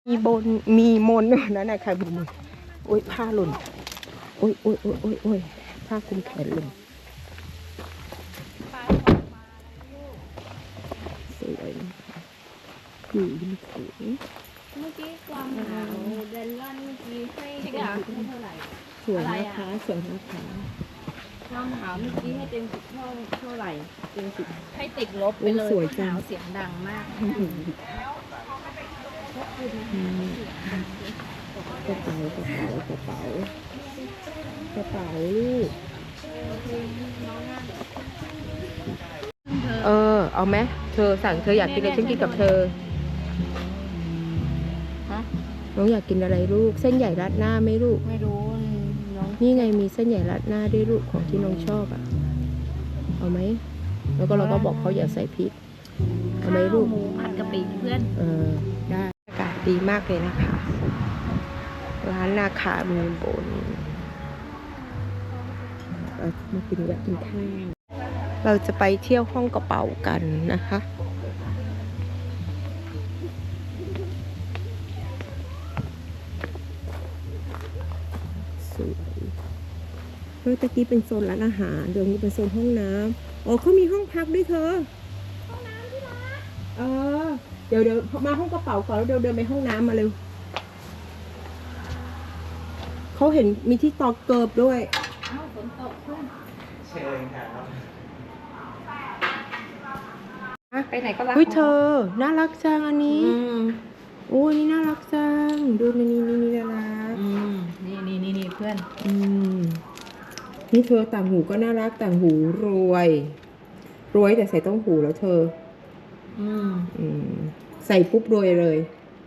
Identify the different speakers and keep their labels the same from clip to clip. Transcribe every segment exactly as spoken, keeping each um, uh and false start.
Speaker 1: มีบนมีมนนั่นน่ะค่ะบุ๋มโอ้ยผ้าหล่นโอ้ยโอ้ยโอ้ยโอ้ยโอ้ยผ้าคลุมแขนหล่นสวยอยู่ริมโขง
Speaker 2: เมื่อกี้ความหนาวเดนล่อนเมื่อกี้ให้ให้เท่าไหร่
Speaker 1: สวยนะคะสวยนะคะ
Speaker 2: ความหนาวเมื่อกี้ให้เต็มสิบเท่าเท่าไหร่เต็มสิบให้ติดลบไปเลย
Speaker 1: สวยจัง
Speaker 2: หนาวเสียงดังมาก
Speaker 1: กระเป๋ากระเป๋ากระเป๋ากระเป๋าลูกเออเอาไหมเธอสั่งเธออยากกินอะไรฉันกินกับเธอน้องอยากกินอะไรลูกเส้นใหญ่ราดหน้าไหมลูก
Speaker 2: ไม่รู้น้อง
Speaker 1: นี่ไงมีเส้นใหญ่ราดหน้าด้วยลูกของที่น้องชอบอ่ะเอาไหมแล้วก็เราก็บอกเขาอย่าใส่พริกเอาไหมลูก
Speaker 2: หมูผัดกะปิเพื่อน
Speaker 1: เออได้อากาศดีมากเลยนะคะร้านนาคามีบนเรามากินแวะกินข้าวเราจะไปเที่ยวห้องกระเป๋ากันนะคะสวยเมื่อตะกี้เป็นโซนร้านอาหารเดี๋ยวนี้เป็นโซนห้องน้ำอ๋อเขามีห้องพักด้วยเธอห้องน้ำที่ร้านเออเดี๋ยวเดี๋ยวมาห้องกระเป๋าก่อนแล้วเดี๋ยวเดินไปห้องน้ำมาเร็วเขาเห็นมีที่ตอกเกิบด้วย
Speaker 2: เอ้าฝนตกเพื่อน
Speaker 3: เชิญครับ
Speaker 2: ไปไหนก็รัก
Speaker 1: อุ้ยเธอน่ารักจังอันนี้
Speaker 2: อืม
Speaker 1: โอ้ยนี่น่ารักจังดูนี่นี่นี่นี่น่ารัก
Speaker 2: อืมนี่นี่นี่นี่เพื่อน
Speaker 1: อืมนี่เธอต่างหูก็น่ารักต่างหูรวยรวยแต่ใส่ต้องหูแล้วเธอ
Speaker 2: อืม
Speaker 1: อืมใส่ปุ๊บรวยเลย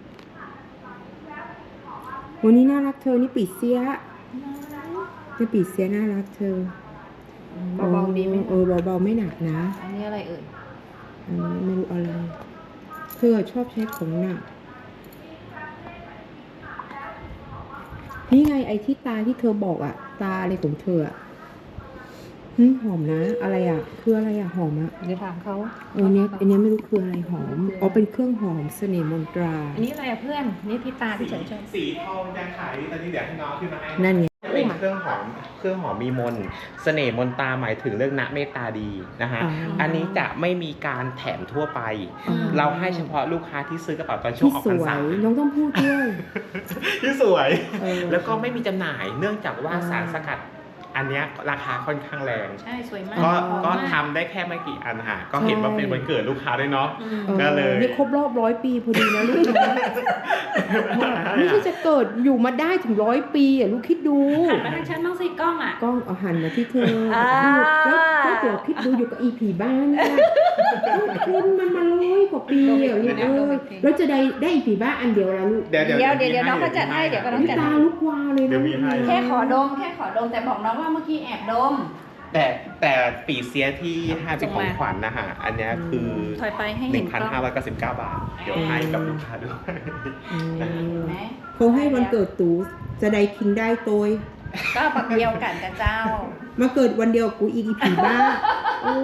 Speaker 1: วันนี้น่ารักเธอนี่ปีเสียนี่ปีเสียน่ารักเธอ
Speaker 2: เบาๆดีไหม
Speaker 1: เออเบาๆไม่หนักนะ
Speaker 2: อันนี้อะไรเอ่ย
Speaker 1: อันนี้ไม่รู้อะไรเธอชอบใช้ของหนักนี่ไงไอ้ที่ตาที่เธอบอกอะตาอะไรของเธออะหึหอมนะ อะไรอะคืออะไรอะหอมอะ
Speaker 2: เดี๋ยวถามเขา
Speaker 1: เออเนี้ยอันเนี้ยไม่รู้คืออะไรหอมอ๋อเป็นเครื่องหอมเสน่ห์มนตรา
Speaker 2: อันนี้อะไรอะเพื่อน นี่ที่ตาที่ฉันชอบ
Speaker 3: สีทองยังขายตอนนี้เดี๋ยวให้น้องขึ้นมาให้
Speaker 1: นั่นไง
Speaker 3: จะเป็นเครื่องหอมเครื่องหอมมีมนต์เสน่ห์มนตราหมายถึงเรื่องณเมตตาดีนะฮะ
Speaker 1: อ๋ออั
Speaker 3: อันนี้จะไม่มีการแถมทั่วไป
Speaker 1: อ๋อ
Speaker 3: เราให้เฉพาะลูกค้าที่ซื้อกระเป๋าตอนช่ว
Speaker 1: ที่
Speaker 3: งออก
Speaker 1: ส
Speaker 3: พรร
Speaker 1: ว
Speaker 3: ษาย
Speaker 1: น้องต้องพูดด้วย
Speaker 3: ที่สวย
Speaker 1: เออ
Speaker 3: แล้วก็ไม่มีจำหน่าย เนื่องจากว่า
Speaker 1: อ่า
Speaker 3: สารสกัด อันเนี้ยราคาค่อนข้างแรง
Speaker 2: ใช่สวยมาก
Speaker 3: ก็
Speaker 2: หอม
Speaker 3: ก็
Speaker 2: มาก
Speaker 3: ทำได้แค่ไม่กี่อันค่ะก็เห็นว่าเป็นวันเกิดลูกค้าด้วยเนาะ
Speaker 2: อืม
Speaker 1: ออ
Speaker 3: ก็เลย
Speaker 1: นี่ครบรอบร้อยปีพอดีนะลูกนะไม่ใช่จะเกิดอยู่มาได้ถึงร้อยปีอ่ะลูกคิดดู
Speaker 2: หันมาทางฉันบ้างสิกล้องอ่ะ
Speaker 1: กล้องเอาหันมาที่เธอ
Speaker 2: อ่า
Speaker 1: ดูแล้วก็เดี๋ยวคิดดูอยู่กับอีผีบ้านเนี่ยคุณมันมาร้อยกว่าปีอ่ะลูกเอ้ยแล้วจะได้ได้อีผีบ้าอันเดียวละลูก
Speaker 3: เดี๋ยวเดี๋ยว
Speaker 2: เดี๋ยวเดี๋ยวเดี๋ยวน้องเขาจัดให้เดี๋ยวก็น้อง
Speaker 1: นี่
Speaker 2: จัด
Speaker 1: ตา
Speaker 2: ให้
Speaker 1: ลุกวาวเลย
Speaker 3: เดี๋
Speaker 1: นะ
Speaker 3: ยวมีให้
Speaker 2: แค่ขอดมแค่ขอดมแต่บอกน้องว่าเมื่อกี้แอบดม
Speaker 3: แต่แต่ปีเสียที่ให้เป็นของขวัญนะฮะ อันเนี้ยคือ
Speaker 2: ถอยไปให้
Speaker 3: ห
Speaker 2: เห็
Speaker 3: นึ่
Speaker 2: น
Speaker 3: ง
Speaker 2: ก
Speaker 3: พัน
Speaker 2: ล้อง
Speaker 3: ห้าร้อยเก้าสิบเก้าบาท เดี๋ยวให้กับลูกค้าด้วย
Speaker 1: อืม
Speaker 2: เห็นไหม
Speaker 1: เขาให้วันเกิดตูจะได้คิงได้โตย
Speaker 2: ก็ปักเดียวกันกับเจ้า
Speaker 1: มาเกิดวันเดียวกูอีกอีผีบ้าโอ้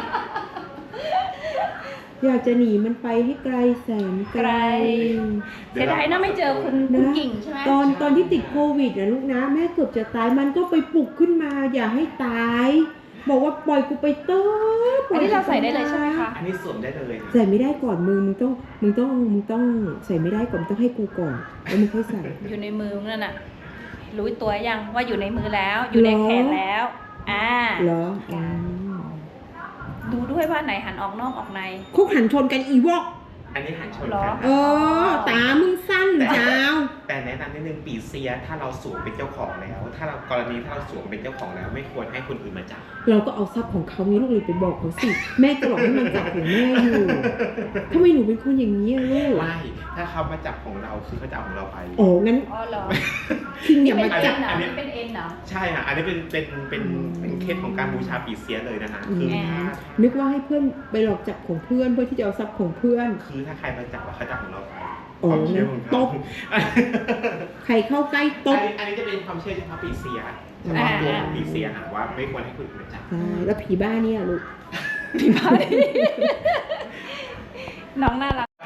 Speaker 1: อยากจะหนีมันไปให้ไกลแสนไกล
Speaker 2: เสียดายนะไม่เจอคุณคุณกิ่งใช่ไหม
Speaker 1: ตอนตอนที่ติดโควิดนะลูกนะแม่เกือบจะตายมันก็ไปปลุกขึ้นมา อย่าให้ตาย บอกว่าปล่อยกูไปเตอปล่
Speaker 2: อั
Speaker 1: อน ย
Speaker 2: นี้เราใส่ได้เลยใช่ไหมคะ
Speaker 3: อันนี้สวมได้เลย
Speaker 1: ใส่ไม่ได้ก่อนมึงมึงต้องมึงต้องมึงต้องใส่ไม่ได้ก่อนมึงต้องให้กูก่อนแล้วมึงค่อยใส่
Speaker 2: อยู่ในมือนั่นน่ะ รู้ตัวยังว่าอยู่ในมือแล้ว อยู่ในแขนแล้ว อ่า
Speaker 1: เหรออ๋อ
Speaker 2: ดูด้วยว่าไหนหันออกนอกออกใน
Speaker 1: คุกหันชนกันอีวอก
Speaker 3: อันนี้หันชน
Speaker 2: หรอ
Speaker 3: กัน
Speaker 1: เออตามึงสั้นหรือเจ้า
Speaker 3: แต่แนะนำนิดนึงปีเสียถ้าเราสวมเป็นเจ้าของแล้ว ถ้าเรากรณีถ้าเราสวมเป็นเจ้าของแล้ว ไม่ควรให้คนอื่นมาจับ
Speaker 1: เราก็เอาทรัพย์ของเขานี้ลูกเลยไปบอกเขาสิแม่ก็บอกให้มันจับของแม่อยู่ทำไมหนูเป็นคนอย่างนี้อะลูก
Speaker 3: ไม่ ถ้าเขามาจับของเราคือเขาจะเอาของเราไป
Speaker 1: โอ้งั้น
Speaker 2: อ๋อเหรอ
Speaker 1: คิงอย่า
Speaker 2: เป็
Speaker 1: มาน
Speaker 2: เอ็
Speaker 1: จับ
Speaker 2: นเหรอ
Speaker 3: อันนี้
Speaker 2: นี่เป็นเอ็นเหรอ
Speaker 3: ใช่ค่ะ อันนี้เป็นเป็นเป็นเป็นเคสของการบูชาปีเสียเลยนะฮะ คือ
Speaker 2: แหม
Speaker 3: ถ้า
Speaker 1: นึกว่าให้เพื่อนไปหลอกจับของเพื่อนเพื่อที่จะเอาทรัพย์ของเพื่อน
Speaker 3: คือถ้าใครมาจับอะเขาจะเอาของเราไป
Speaker 1: โอ้
Speaker 3: ความเชื่อของ
Speaker 1: ต
Speaker 3: เขา
Speaker 1: บ ใครเข้าใกล้ต
Speaker 3: อัน
Speaker 1: บ
Speaker 3: นี้อันนี้จะเป็นความเชื่อเฉพาะปีเสียเฉพาะตัวของปีเสียหาว่าไม่ควรให้คนอื่นมาจับ
Speaker 1: ใช่แล้วผีบ้าเนี่ยลูก
Speaker 2: พี่พาดิน้องน่ารัก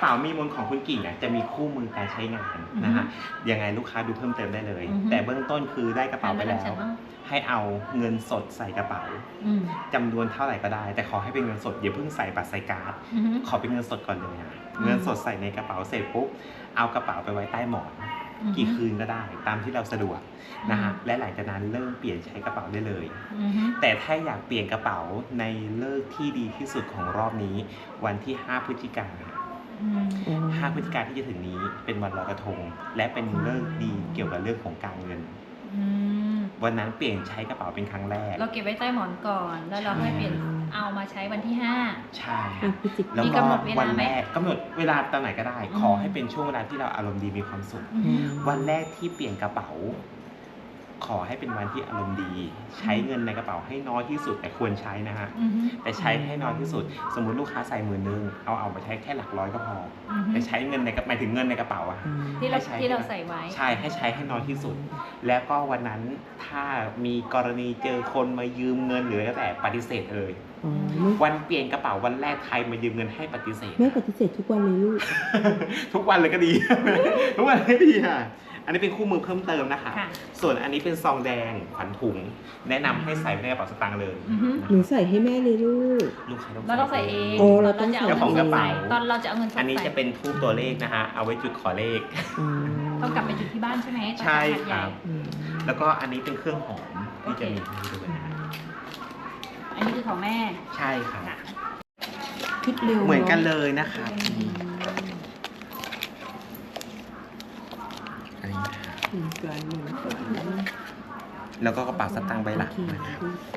Speaker 3: เป๋ามีมนของคุณกิ่งอ่ะจะมีคู่มือการใช้งานนะฮะยังไงลูกค้าดูเพิ่มเติมได้เลย
Speaker 2: อือฮึ
Speaker 3: แต่เบื้องต้นคือได้กระเป๋าไปแล้ว
Speaker 2: ทำบ้าง
Speaker 3: ให้เอาเงินสดใส่กระเป๋า
Speaker 2: อืม
Speaker 3: จำนวนเท่าไหร่ก็ได้ แต่ขอให้เป็นเงินสดอย่าเพิ่งใส่บัตรใส่การ์ด
Speaker 2: อือฮึ
Speaker 3: ขอเป็นเงินสดก่อนเลยอะ
Speaker 2: อืม
Speaker 3: เงินสดใส่ในกระเป๋าเสร็จปุ๊บเอากระเป๋าไปไว้ใต้หมอน
Speaker 2: อือฮึ
Speaker 3: กี่คืนก็ได้ตามที่เราสะดวกนะฮะและหลังจากนั้นเริ่มเปลี่ยนใช้กระเป๋าได้เลย
Speaker 2: อือฮึ
Speaker 3: แต่ถ้าอยากเปลี่ยนกระเป๋าในเลิกที่ดีที่สุดของรอบนี้ วันที่ห้าพฤศจิกายน
Speaker 2: อืม
Speaker 1: อ๋อ
Speaker 3: ห้าพฤศจิกายนที่จะถึงนี้เป็นวันลอยกระทง และเป็นเลิกดีเกี่ยวกับเรื่องของการเงิน
Speaker 2: อืม
Speaker 3: วันนั้นเปลี่ยนใช้กระเป๋าเป็นครั้งแรก
Speaker 2: เราเก็บไว้ใต้หมอนก่อน แล้วเราค่อยเปลี่ยนเอามาใช้วันที่ห้า
Speaker 3: ใช่
Speaker 1: อ่ะพฤศจิ
Speaker 3: แล้ว
Speaker 2: มี
Speaker 3: ก็
Speaker 2: กำหนดเวลาไหม
Speaker 3: วันแรกกำหนดเวลาตอนไหนก็ได้
Speaker 2: อืม
Speaker 3: ขอให้เป็นช่วงเวลาที่เราอารมณ์ดีมีความสุข
Speaker 2: อือ
Speaker 1: อื
Speaker 2: ฮึ
Speaker 1: ม
Speaker 3: วันแรกที่เปลี่ยนกระเป๋า ขอให้เป็นวันที่อารมณ์ดี ใช้เงินในกระเป๋าให้น้อยที่สุดแต่ควรใช้นะฮะ
Speaker 2: อือฮึ
Speaker 3: แต่ใช้ให้น้อยที่สุด สมมุติลูกค้าใส่หมื่นนึงเอาเอามาใช้แค่หลักร้อยก็พอ
Speaker 2: อือฮึ
Speaker 3: แต่ใช้เงินในกระหมายถึงเงินในกระเป๋าอะ
Speaker 1: อืม
Speaker 2: ที่เรา
Speaker 3: ให้ใช้
Speaker 2: ที่เราใส่ไว้
Speaker 3: ใช่ให้ใช้ให้น้อยที่สุด แล้วก็วันนั้นถ้ามีกรณีเจอคนมายืมเงินหรืออะไรก็แต่ปฏิเสธเลย
Speaker 1: อ๋อไม่
Speaker 3: วันเปลี่ยนกระเป๋าวันแรกใครมายืมเงินให้ปฏิเสธ
Speaker 1: ไม่ปฏิเสธทุกวันเลยลูก
Speaker 3: ทุกวันเลยก็ดี ทุกวันเลยก็ดีค่ะ อันนี้เป็นคู่มือเพิ่มเติมนะคะ
Speaker 2: ค่ะ
Speaker 3: ส่วนอันนี้เป็นซองแดงขวัญถุง แนะนำให้ใส่ไว้ในกระเป๋าสตางค์เลย
Speaker 2: อือฮึ
Speaker 1: หนูใส่ให้แม่เลยลูก
Speaker 3: ลูกค้าต้อง
Speaker 2: เราต้องใส่เอง
Speaker 1: โอ้เราต้อง
Speaker 2: จะ
Speaker 1: ใส่
Speaker 3: เจ้าของกระเป๋า
Speaker 2: ตอนเราจะเอาเงินสด
Speaker 3: อันนี้
Speaker 2: ใส่
Speaker 3: จะเป็นทูบตัวเลขนะคะ เอาไว้จุดขอเลข
Speaker 1: อืม
Speaker 2: ต้องกลับไปจุดที่บ้านใช่ไหมตอน
Speaker 3: ใช่
Speaker 2: ทำงาน
Speaker 3: ค
Speaker 2: ใหญ่
Speaker 3: รับ
Speaker 1: อืม
Speaker 3: แล้วก็อันนี้เป็นเครื่องหอมที่จะมีให้ด้วยนะ
Speaker 2: อันนี้คือของแม่
Speaker 3: ใช่ค่ะ
Speaker 1: คิดเร็ว
Speaker 3: เหมือนกันเลยนะคะอันนี้นะคะ
Speaker 1: เหมือนกันเหมือนกัน
Speaker 3: แล้วก็กระเป๋าสตางค์ใบหลัก
Speaker 1: โอเค
Speaker 3: นะครับ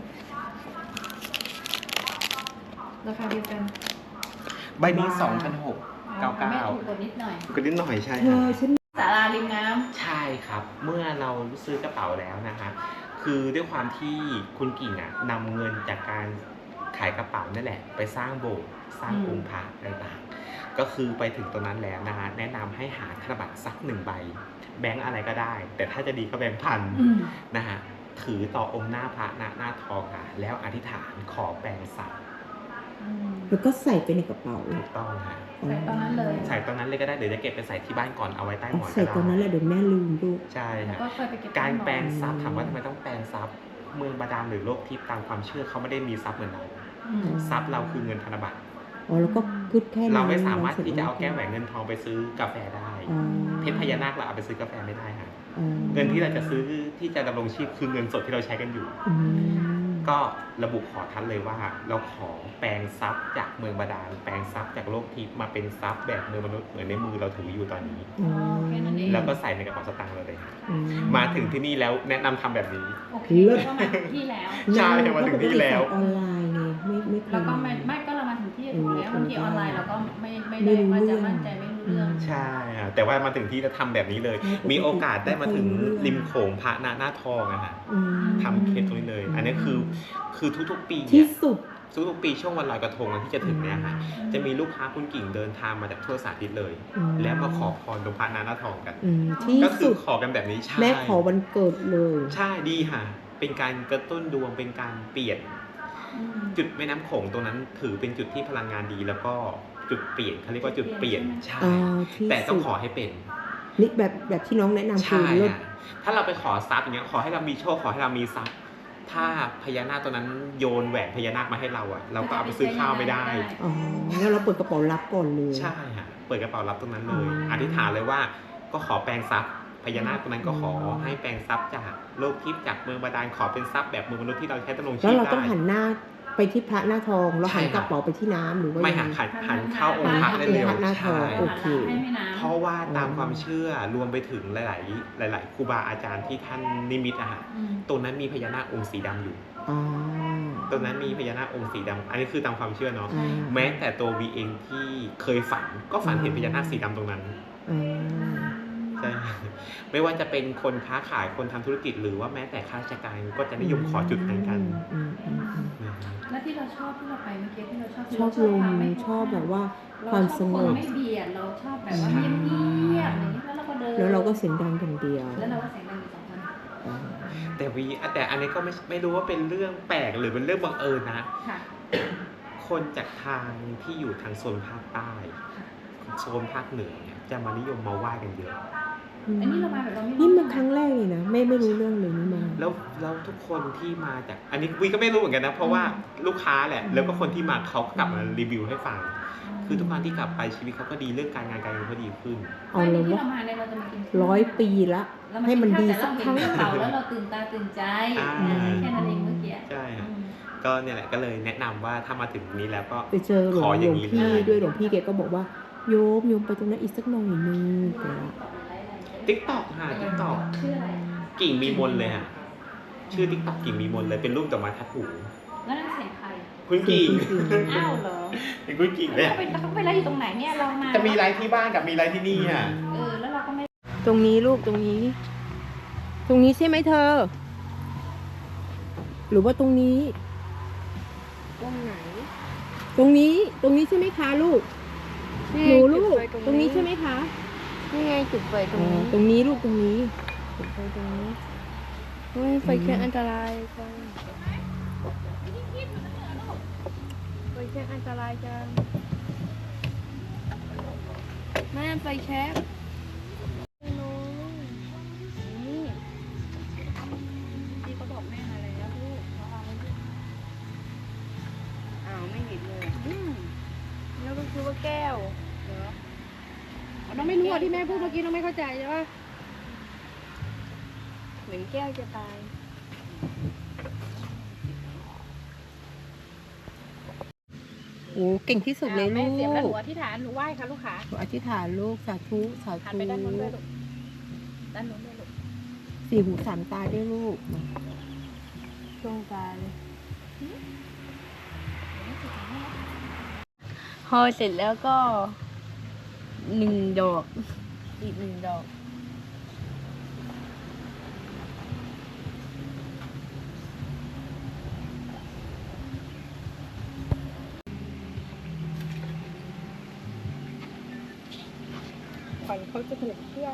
Speaker 2: ราคาเดียวกัน
Speaker 3: ใบนี้สองพันหกร้อยเก้าสิบเก้า
Speaker 2: แม่ถูกกว่านิดหน่อย
Speaker 3: ก็นิดหน่อยใช่
Speaker 1: เธ
Speaker 3: ค่ะ
Speaker 1: อฉัน
Speaker 2: ศาลาริมน้
Speaker 3: ใช่ครับ เมื่อเราซื้อกระเป๋าแล้วนะคะคือด้วยความที่คุณกิ่งอ่ะนำเงินจากการขายกระเป๋านั่นแหละ ไปสร้างโบสถ์สร้างองค์พระต่างๆก็คือไปถึงตรงนั้นแล้วนะฮะแนะนำให้หาธนบัตรสักหนึ่งใบ แบงค์อะไรก็ได้ แต่ถ้าจะดีก็แบงค์พัน
Speaker 2: ำอืม
Speaker 3: นะฮะถือต่อองค์หน้าพระหน้าหน้าทองค่ะ แล้วอธิษฐานขอแปลงสัตว์
Speaker 2: อืม
Speaker 1: แล้วก็ใส่ไปในกระเป๋า
Speaker 3: ถูกต้องค่ะ
Speaker 2: ใส่ตอนนั้นเลย
Speaker 3: ใส่ตอนนั้นเลยก็ได้เดี๋ยวจะเก็บไปใส่ที่บ้านก่อนเอาไว้ใต้หมอน
Speaker 1: ใส่
Speaker 3: ก็
Speaker 1: ตอนนั้นแห
Speaker 3: ได้
Speaker 1: ละเดี๋ยวแม่ลืมลูก
Speaker 3: ใช่
Speaker 2: แล้ว
Speaker 3: ค่ะ
Speaker 2: ก็ค่อยไปเก็บ
Speaker 3: การ
Speaker 2: ใต้หมอน
Speaker 3: แปลงทรัพย์ถามว่าทำไมต้องแปลงทรัพย์เมืองบาดาลหรือโลกทิพย์ตามความเชื่อเขาไม่ได้มีทรัพย์เหมือนเรา
Speaker 2: อืม
Speaker 3: ทรัพย์เราคือเงินธนบัตร
Speaker 1: อ๋อแล้วก็กึดแค่นั้น
Speaker 3: เราไม่สามารถที่จะเอา
Speaker 1: สจ
Speaker 3: แก้วแหวนเงินทองไปซื้อกาแฟได้
Speaker 1: อ๋อ
Speaker 3: เพชรพญานาคเราเอาไปซื้อกาแฟไม่ได้ค่ะ
Speaker 1: อ๋อ
Speaker 3: เงินที่เราจะซื้อที่จะดำรงชีพคือเงินสดที่เราใช้กันอยู่
Speaker 1: อืม
Speaker 3: ก็ระบุขอท่านเลยว่าเราขอแปลงทรัพย์จากเมืองบาดาลแปลงทรัพย์จากโลกทิพย์มาเป็นทรัพย์แบบเมืองมนุษย์เหมือนในมือเราถืออยู่ตอนนี้
Speaker 1: อ๋อ
Speaker 2: แค่นั้นเอง
Speaker 3: แล้วก็ใส่ในกระเป๋าสตางค์เราเลยค่ะ
Speaker 1: อื
Speaker 3: มาถึงที่นี่แล้วแนะนำทำแบบนี้
Speaker 2: โอเค
Speaker 1: เลิศ
Speaker 2: ก็มาถึงที่แล้ว
Speaker 3: ใช่มาถึงที่แล้ว
Speaker 1: ออนไลน์ไงไม่ไม่เคย
Speaker 2: แล้วก็ไม่ไม่ก็เรามาถึงที่ถูกแล้ว
Speaker 1: เออ
Speaker 2: บางทีออนไลน์เราก็ไม่ไม่
Speaker 1: ไม่
Speaker 2: ได้
Speaker 1: รู้
Speaker 2: ว่าจะ
Speaker 1: เรื่อง
Speaker 2: มั่นใจไม่รู้เรื่อง
Speaker 3: ใช่ค่ะแต่ว่ามาถึงที่แล้วทำแบบนี้เลย
Speaker 1: ใช่
Speaker 3: มีโอกาสได้มาถึง
Speaker 1: ไม่รู้เรื่อง
Speaker 3: ริมโขงพระนาหน้าทองอะค่ะ
Speaker 1: อืม
Speaker 3: ทำเคสตรงนี้เลย อันนี้คือคือทุกๆปี
Speaker 1: ที่
Speaker 3: เนี่ย
Speaker 1: สุด
Speaker 3: ทุกๆปีช่วงวันลอยกระทงที่จะถึงเนี่ยค่ะ
Speaker 2: อืม
Speaker 3: จะมีลูกค้าคุณกิ่งเดินทางมาจากทั่วสารทิศเลย
Speaker 1: อืม
Speaker 3: แล้วมาขอพรตรงพระนาหน้าทองกัน
Speaker 1: อืมที่
Speaker 3: ก็คื
Speaker 1: สุ
Speaker 3: อ
Speaker 1: ด
Speaker 3: ขอกันแบบนี้ใช่
Speaker 1: แม่ขอวันเกิดเลย
Speaker 3: ใช่ดีค่ะ เป็นการกระตุ้นดวงเป็นการเปลี่ยน
Speaker 2: อืม
Speaker 3: จุดแม่น้ำโขงตรงนั้นถือเป็นจุดที่พลังงานดีแล้วก็จุดเปลี่ยนเขาเรียกว่าจุดเปลี่ยนใช่
Speaker 1: อ่าที่
Speaker 3: แต่ต้อง
Speaker 1: สุด
Speaker 3: ขอให้เป็น
Speaker 1: นี่แบบแบบที่น้องแนะนำคือ
Speaker 3: ใช่
Speaker 1: เลิศ
Speaker 3: ค่ะถ้าเราไปขอทรัพย์อย่างเงี้ยขอให้เรามีโชคขอให้เรามีทรัพย์ถ้าพญานาคตัวนั้นโยนแหวนพญานาคมาให้เราอะเราก็เอาไปซื้อข้าวไม่ได้
Speaker 1: อ๋อแล้วเราเปิดกระเป๋ารับก่อนเลย
Speaker 3: ใช่ค่ะเปิดกระเป๋ารับตรงนั้นเลย
Speaker 1: อืม
Speaker 3: อธิษฐานเลยว่าก็ขอแปลงทรัพย์พญานาคตัวนั้นก็ขอให้แปลงทรัพย์จากโลกทิพย์จากเมืองบาดาลขอเป็นทรัพย์แบบเมืองมนุษย์ที่เราใช้ดำรงชี
Speaker 1: แล้ว
Speaker 3: พ
Speaker 1: เราต้อง
Speaker 3: ได้
Speaker 1: หันหน้าไปที่พระหน้าทองแล้วหัน
Speaker 3: ใช่
Speaker 1: ก
Speaker 3: ค่ะ
Speaker 1: ระเป๋าไปที่น้ำหรือว่า
Speaker 3: ไม่
Speaker 1: ยัง
Speaker 3: หัน
Speaker 1: ไง
Speaker 3: หันหันเข้าองค์พระได้เร็ว
Speaker 1: พระหน้าทอง
Speaker 3: ใช่
Speaker 1: โอเค
Speaker 2: ให้แม่น้ำ
Speaker 3: เพราะว่าตามความเชื่อรวมไปถึงหลาย ๆ หลาย ๆ ครูบาอาจารย์ที่ท่านนิมิตอะฮะ
Speaker 2: อืม
Speaker 3: ตรงนั้นมีพญานาคองค์สีดำอยู่
Speaker 1: อ่า
Speaker 3: ตรงนั้นมีพญานาคองค์สีดำอันนี้คือตามความเชื่อเนาะ
Speaker 1: อ่า
Speaker 3: แม้แต่ตัววีเองที่เคยฝันก็ฝันเห็นพญานาคสีดำตรงนั้น
Speaker 1: อ่า
Speaker 3: ใช่ ไม่ว่าจะเป็นคนค้าขายคนทำธุรกิจหรือว่าแม้แต่ข้าราชการก็จะนิยมขอจุดนั้นกัน
Speaker 1: อืมอืมอืม
Speaker 3: นะครับ
Speaker 2: แล้วที่เราชอบที่เราไปเมื่อกี้ที่เราชอบ
Speaker 1: ชอบลม
Speaker 2: ความไม่
Speaker 1: ชอบแบบว่า
Speaker 2: เร
Speaker 1: ความสง
Speaker 2: ชอบ
Speaker 1: บ
Speaker 2: นไม่เบียดเราชอบแบบว่าเงียบๆอย่างนี้แล้วเราก็เดิน
Speaker 1: แล้วเราก็เสียงดังอย่างเดียว
Speaker 2: แล้วเราก็เสียงดังอยู่สองคน
Speaker 1: อ่า
Speaker 3: แต่วีแต่อันนี้ก็ไม่ไม่รู้ว่าเป็นเรื่องแปลกหรือเป็นเรื่องบังเอิญนะ
Speaker 2: ค่ะ
Speaker 3: คนจากทางที่อยู่ทางโซนภาคใต้
Speaker 2: ค่ะ
Speaker 3: โซนภาคเหนือเนี่ยจะมานิยมมาไหว้กันเยอะ
Speaker 2: อันนี้เรามาแบบเราไม่รู้
Speaker 1: นี่มันครั้งแรกเลยนะแม่ไม่รู้เรื่องเลยนี่มา
Speaker 3: แล้วแล้วทุกคนที่มาจากอันนี้วีก็ไม่รู้เหมือนกันนะเพราะว่าลูกค้าแหละแล้วก็คนที่มาเขาก็กลับมารีวิวให้ฟัง คือทุกครั้งที่กลับไปชีวิตเขาก็ดีเรื่องการงานการเงินเขาดีขึ้น
Speaker 1: เอา
Speaker 2: ไม่
Speaker 1: เลย
Speaker 2: ที่
Speaker 1: ว่า
Speaker 2: เรามาเนี่ยเราจะมากินข้าว
Speaker 1: ร้อยปีละ
Speaker 2: เราา
Speaker 1: ให้มันดี
Speaker 2: แต่
Speaker 1: สัก
Speaker 2: เรา
Speaker 1: ครั้ง
Speaker 2: เห็นกระเป๋าแล้วเราตื่นตาตื่นใจ
Speaker 3: อ่า
Speaker 2: แค่นั้นเองเมื่อกี้
Speaker 3: ใช่ครับ
Speaker 2: อืม
Speaker 3: ก็เนี่ยแหละก็เลยแนะนำว่าถ้ามาถึงนี้แล้วก็
Speaker 1: ไปเจอหลว
Speaker 3: ของ อ
Speaker 1: หล
Speaker 3: ย่าว ง
Speaker 1: ง
Speaker 3: นี้
Speaker 1: พี่
Speaker 3: เลย
Speaker 1: ด้วยหลวงพี่แกก็บอกว่าโยมโยมไปตรงนั้นอีกสักหน่อยนึงแต่ว่า
Speaker 3: ติ๊กต็อกค่ะติ๊กต็อก
Speaker 2: ชื่ออะไร
Speaker 3: กิ่งมีมนเลยค่ะชื่อติ๊กต็อกกิ่งมีมนเลยเป็นรูปดอกไม้ทัดหู
Speaker 2: แล้วนั่นเสียงใคร
Speaker 3: คุณกิ่ง
Speaker 2: อ้าวเหรอ
Speaker 3: เป็นคุณกิ่งเลย
Speaker 2: เขาไปเขาไปไล่อยู่ตรงไหนเนี่ยเรามา
Speaker 3: จะมีไลฟ์ที่บ้านกับมีไลฟ์ที่นี่อ่ะ
Speaker 2: เออแล้วเราก็ไม่
Speaker 1: ตรงนี้ลูกตรงนี้ ตรงนี้ใช่ไหมเธอ หรือว่าตรงนี้
Speaker 4: ตรงไหน
Speaker 1: ตรงนี้ตรงนี้ใช่ไหมคะลูกหนูลูกตรงนี้ใช่ไหมคะ
Speaker 4: นี่ไงจุดไฟตร
Speaker 1: อ๋
Speaker 4: ง
Speaker 1: อ
Speaker 4: นี้
Speaker 1: ตรงนี้ลูกตรงนี้
Speaker 4: จุดไฟตรงนี้เฮ้ยไฟแค่อันตรายจังไฟแค่อันตรายจังแม่ไฟแช็กน้องนี่ที่เขาบอกแม่มาแล้วลูกเขาเอาไว้ด้วยอ้าวไม่เห็นเลยอืมแล้วก็คือว่าแก้วเหรอ
Speaker 5: น้องไม่รู้อ่ะที่แม่พูดเมื่อกี้น้องไม่เข้าใจใช่ปะ
Speaker 4: เหมือนแก้วจะตาย
Speaker 1: โอ้เก่งที่สุดเลยลู
Speaker 5: แม่เสียบแล้วหนู
Speaker 1: ก
Speaker 5: อธิษฐานหนูไหว้ค่ะลูกขา
Speaker 1: หนูอธิษฐานลูกสาธุสา
Speaker 5: หัน
Speaker 1: ธุ
Speaker 5: ไปด้านโน้นด้วยลูกด้านโน้นด้วยลูก
Speaker 1: สี่หูสามตาด้วยลูก
Speaker 4: ช่วงตายเลยพอเสร็จแล้วก็หนึ่งดอก อีกหนึ่งดอก
Speaker 1: ขวัญเขาจะถูกเครื่อง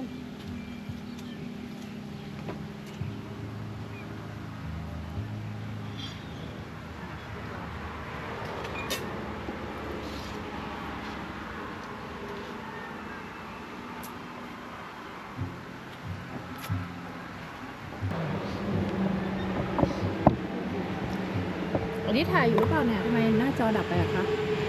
Speaker 5: อันนี้ถ่ายอยู่หรือเปล่าเนี่ยทำไมหน้าจอดับไปอะคะ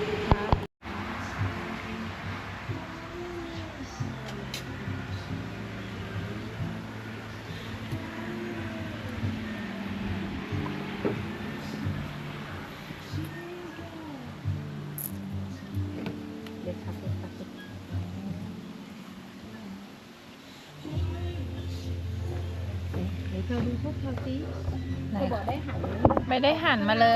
Speaker 1: เด็กครับเด็กครับเดี๋ยวเธอดูพวกเธอสิ
Speaker 2: ไหน
Speaker 5: เขาบอกได้หัน
Speaker 2: ไม่ได้หันมาเลย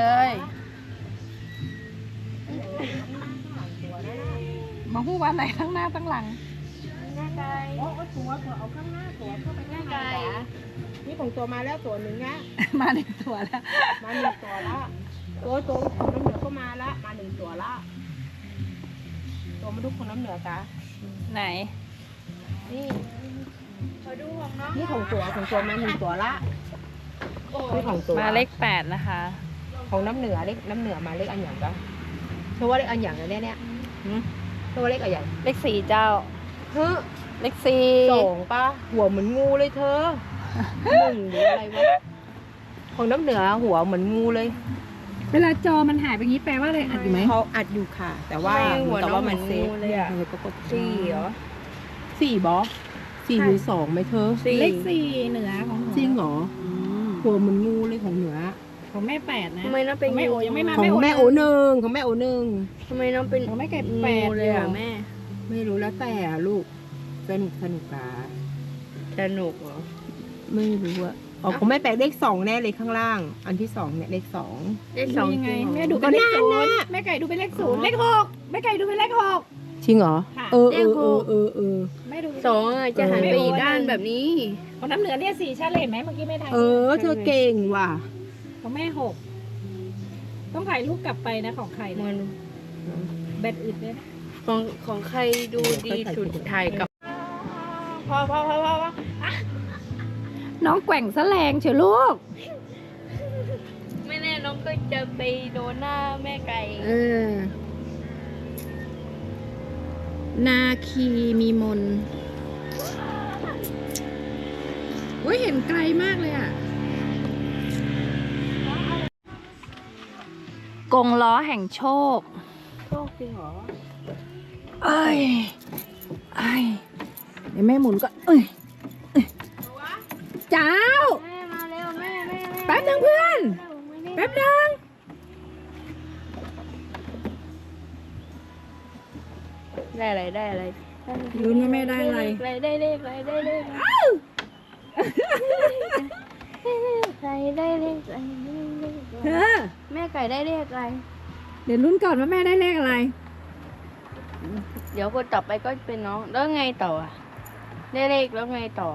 Speaker 2: มาพูดว่าไหนทั้งหน้าทั้งหลัง
Speaker 4: หน้าไกล
Speaker 1: โอ้ตัวตัวเอาข้างหน้าตัวเข้าไป
Speaker 4: หน้า
Speaker 1: ข้าง
Speaker 4: ไก
Speaker 1: ใน
Speaker 4: ล
Speaker 1: นี่ของตัวมาแล้วตัวหนึ่งนะ
Speaker 2: มาในตัวแล้ว
Speaker 1: มาหนึ่งตัวละตัวตัวของน้ำเหนือก็มาละมาหนึ่งตัวละตัวมาทุกคนน้ำเหนือกะ
Speaker 2: ไหน
Speaker 1: นี่
Speaker 4: ขอดูของน้อง
Speaker 1: นี่ของตัวของตัวมาหนึ่งตัวละนี่ของตัว
Speaker 2: มาเลขแปดนะคะ
Speaker 1: ของน้ำเหนือเล็กน้ำเหนือมาเล็กอันอย่างก็เธอว่าเล็กอันอย่างนะเนี่ยเนี่ย
Speaker 2: หืม
Speaker 1: เธอว่าเล็กอันอย่าง
Speaker 2: เลขสี่เจ้า
Speaker 1: เฮ้อ
Speaker 2: เลขสี่
Speaker 1: สองปะหัวเหมือนงูเลยเธอหนึ่งหรืออะไรวะของน้ำเหนือหัวเหมือนงูเลย
Speaker 5: เวลาจอมันหายไปงี้แปลว่าอะไรอัดอยู่ไหม
Speaker 1: เขาอัดอยู่ค่ะ แต่ว่า
Speaker 4: ไม่หัว
Speaker 1: แต่
Speaker 4: น้อง
Speaker 1: ว่า
Speaker 4: เหมื
Speaker 1: มั
Speaker 4: อน น
Speaker 1: เซ
Speaker 4: งู
Speaker 1: ฟ
Speaker 4: เลยอ่ะ
Speaker 1: เธอก็กด
Speaker 4: สี่เหรอ
Speaker 1: สี่บอสสี่หรือสองไหมเธอ
Speaker 4: สี่
Speaker 5: เลขสี่เหนือของหนู
Speaker 1: จริงเหรอหัวเหมือนงูเลยของเหนือ
Speaker 5: ของแม่แปดนะ
Speaker 4: ทำไมน้องเป็น
Speaker 5: ของแม่โอยังไม่มา
Speaker 1: ของแม่โอ
Speaker 5: หนึ่ง
Speaker 1: หนึ่งของแม่โอหนึ่ง
Speaker 4: ทำไมน้องเป็น
Speaker 5: ของแม่ไก่
Speaker 4: งู
Speaker 5: แปด
Speaker 4: เลยอ่ะแม่
Speaker 1: ไม่รู้แล้วแต่อะลูกสนุกสนุกกา
Speaker 4: สนุกเหรอ
Speaker 1: ไม่รู้อะอ๋อของแม่แปลเลขสองแน่เลยข้างล่าง อันที่สองเนี่ยเลขสอง
Speaker 4: ได้สอง
Speaker 5: ยังไง
Speaker 4: จริงเหรอ
Speaker 5: แม่ดูเป็นเลข
Speaker 1: ก็
Speaker 5: ศู
Speaker 1: น่าน
Speaker 5: ย์
Speaker 1: น่ะ
Speaker 5: แม่ไก่ดูเป็นเลขศูนย์เลขหกแม่ไก่ดูเป็นเลขหก
Speaker 1: จริงเหรอ
Speaker 5: ค่ะ
Speaker 1: เออเออเออเออเออ
Speaker 5: แม่ดู
Speaker 4: สองอ่ะจะหันไปอีกด้านแบบนี้
Speaker 5: ของน้ำเหนือเนี่ยสี่ชัดเลยเห็นไหมเมื่อกี้แม่ถ่าย
Speaker 1: เออ เธอเก่งว่ะ
Speaker 5: ของแม่หกต้องถ่ายรูปกลับไปนะของใคร
Speaker 4: มั
Speaker 5: นะ
Speaker 4: น
Speaker 5: แบตอึดเลยนะ
Speaker 4: ของของใครดูดีสุดถ่ายกับพอพอพอพอพอ
Speaker 5: น้องแกว่งแสลงเชียวลูก
Speaker 4: ไม่แน่น้องก็จะไปโดนหน้าแม่ไก่
Speaker 1: เออ
Speaker 5: นาคีมีมนอุ้ยเห็นไกลมากเลยอ่ะ
Speaker 2: กงล้อแห่งโชค
Speaker 4: โชคจริงเหรอ
Speaker 5: เอ้ยไอ้ยเดี๋ยวแม่หมุนก็เอ้ยเอ้ยเจ้า
Speaker 4: แม่มาเร็วแม่แม่แม่
Speaker 5: แป๊บนึงเพื่อน แป๊บนึง
Speaker 4: ได้อะไรได้อะไรได้อะไร
Speaker 5: ลุ้นว่าแม่ได้อะไร
Speaker 4: ได้เลขอะไรได้เลขอะไรไก่ได้เลขอะไรได้เลขอะไร
Speaker 5: เธอ
Speaker 4: แม่ไก่ได้เลขอะไร
Speaker 5: เดี๋ยวลุ้นก่อนว่าแม่ได้เลขอะไร
Speaker 4: เดี๋ยวคนต่อไปก็เป็นน้องแล้วไงต่ออะได้เลขแล้วไงต่อ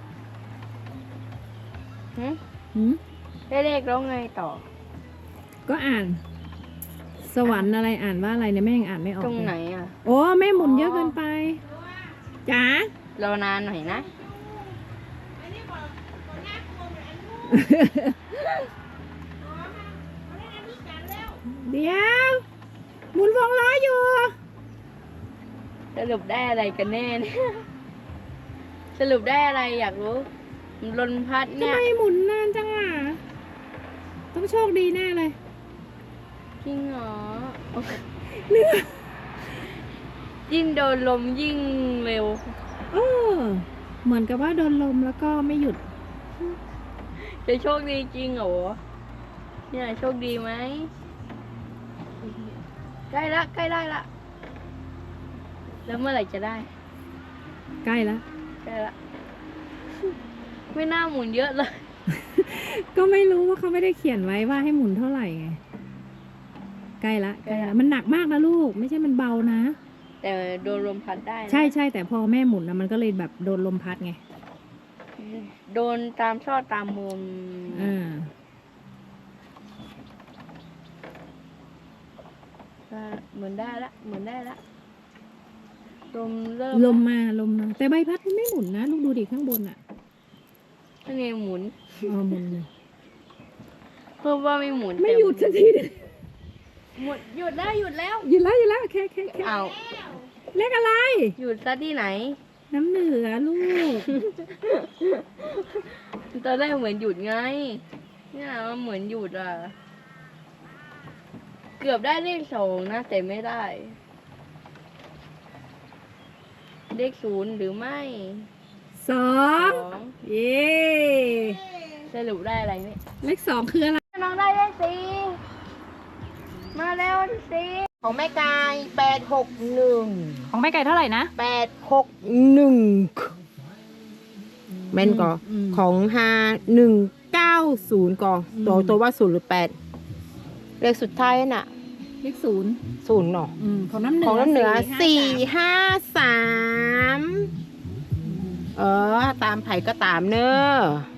Speaker 4: หึ
Speaker 5: หืม
Speaker 4: ได้เลขแล้วไงต่อ
Speaker 5: ก็อ่าน สวรรค์อะไรอ่านว่าอะไรเนี่ยแม่ยังอ่านไม่ออก
Speaker 4: ตรงไหน
Speaker 5: เลย
Speaker 4: อ่ะ
Speaker 5: โอ้แม่หมุนเยอะเกินไปจ๋าร
Speaker 4: อนานหน่อยนะ
Speaker 5: เดี๋ยวหมุนวงล้ออยู่
Speaker 4: สรุปได้อะไรกันแน่เนี่ย สรุปได้อะไรอยากรู้ลมพัด
Speaker 5: ทำ
Speaker 4: เนี่ย
Speaker 5: ไมหมุนนานจังอ่ะ ต้องโชคดีแน่เลย
Speaker 4: จริงเหรอ
Speaker 5: เนื้อ
Speaker 4: ยิ่งโดนลมยิ่งเร็ว
Speaker 5: เออเหมือนกับว่าโดนลมแล้วก็ไม่หยุด
Speaker 4: จะโชคดีจริงเหรอเนี่ยโชคดีไหมใกล้ละใกล้ได้ละแล้วเมื่อไหร่จะได้
Speaker 5: ใกล้แล้ว
Speaker 4: ใกล้ละ ไม่น่าหมุนเยอะเลย
Speaker 5: ก็ไม่รู้ว่าเขาไม่ได้เขียนไว้ว่าให้หมุนเท่าไหร่ไง ใกล้ละใกล้ละมันหนักมากนะลูก ไม่ใช่มันเบานะ
Speaker 4: แต่โดนลมพัดได้นะ
Speaker 5: ใช่ใช่แต่พอแม่หมุนนะมันก็เลยแบบโดนลมพัดไง
Speaker 4: โดนตามซอกตามมุม
Speaker 5: อ่า
Speaker 4: อ่าเหมือนได้ละเหมือนได้ละลมเริ่ม
Speaker 5: ลมมาลมมาแต่ใบพัดมันไม่หมุนนะลูกดูดิข้างบนอ่ะ
Speaker 4: ถ้าไงหมุน
Speaker 5: อ๋อหมุนเลย
Speaker 4: เพิ่มว่าไม่หมุน
Speaker 5: ไม่
Speaker 4: แต่
Speaker 5: หยุดสักทีเลย
Speaker 4: หมุนหยุดแล้วหยุดแล้ว
Speaker 5: หยุดแล้วหยุดแล้วแค่แค่แค่
Speaker 4: เอา
Speaker 5: เลขอะไร
Speaker 4: หยุดซะที่ไหน
Speaker 5: น้ำเหนือลูก
Speaker 4: ตอนแรกเหมือนหยุดไง เนี่ยมันเหมือนหยุดอ่ะ เกือบได้เลขสองนะแต่ไม่ได้ เลขศูนย์หรือไม่
Speaker 5: สอง
Speaker 4: สอง
Speaker 5: เย้
Speaker 4: สรุปได้อะไรเนี่ย
Speaker 5: เลขสองคืออะไร
Speaker 4: น้องได้เลขสี่มาแล้วสี่
Speaker 1: ของแม่กายแปดหกหนึ่ง
Speaker 2: ของแม่ไก่เท่าไหร่นะ
Speaker 1: แปดหกหนึ่งแม่นก่อ
Speaker 5: อืม
Speaker 1: ของฮาหนึ่งเก้าศูนย์ก่อ
Speaker 5: อืม
Speaker 1: ตัวตัวว่าศูนย์หรือแปดเลขสุดท้ายน่ะ
Speaker 5: เลขศูนย์
Speaker 1: ศูนย์เนาะ
Speaker 5: อืมของน้ำเหนือ
Speaker 1: ของน้ำเหนือ
Speaker 5: สี่
Speaker 1: สี่
Speaker 5: ห้า
Speaker 1: ห้าสามเออ ตามไผ่ก็ตามเนอะ